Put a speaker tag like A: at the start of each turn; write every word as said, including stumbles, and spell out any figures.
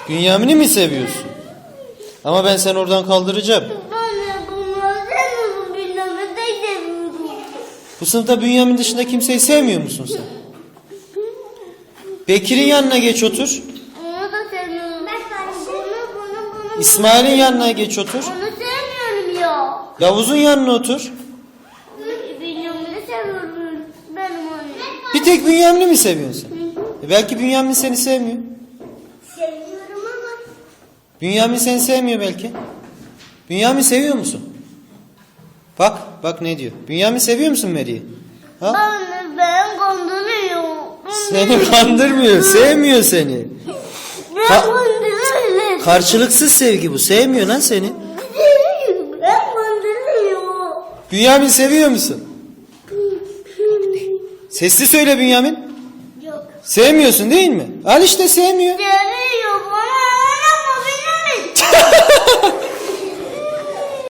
A: Bünyamin'i mi seviyorsun? Ama ben seni oradan kaldıracağım.
B: Anne bunları sevmiyorum. Bünyamin'i de seviyorum.
A: Bu sınıfta Bünyamin dışında kimseyi sevmiyor musun sen? Bekir'in yanına geç otur.
B: Onu da sevmiyorum. Ben bunu bunu bunu.
A: İsmail'in yanına geç otur.
B: Onu sevmiyorum ya.
A: Yavuz'un yanına otur.
B: Bünyamin'i seviyorum. Benim annem.
A: Bir tek Bünyamin'i mi seviyorsun sen? E belki Bünyamin seni sevmiyor.
B: Seviyorum ama.
A: Bünyamin seni sevmiyor belki. Bünyamin seviyor musun? Bak, bak ne diyor. Bünyamin seviyor musun Meri'yi? Ha?
B: Anne ben kandırıyor.
A: Seni kandırmıyor, sevmiyor seni.
B: Ben
A: Ka-
B: kandırıyor.
A: Karşılıksız sevgi bu, sevmiyor lan seni.
B: Ben kandırıyor.
A: Bünyamin seviyor musun? Sesli söyle Bünyamin.
B: Yok.
A: Sevmiyorsun değil mi? Al işte sevmiyor.
B: Seviyor.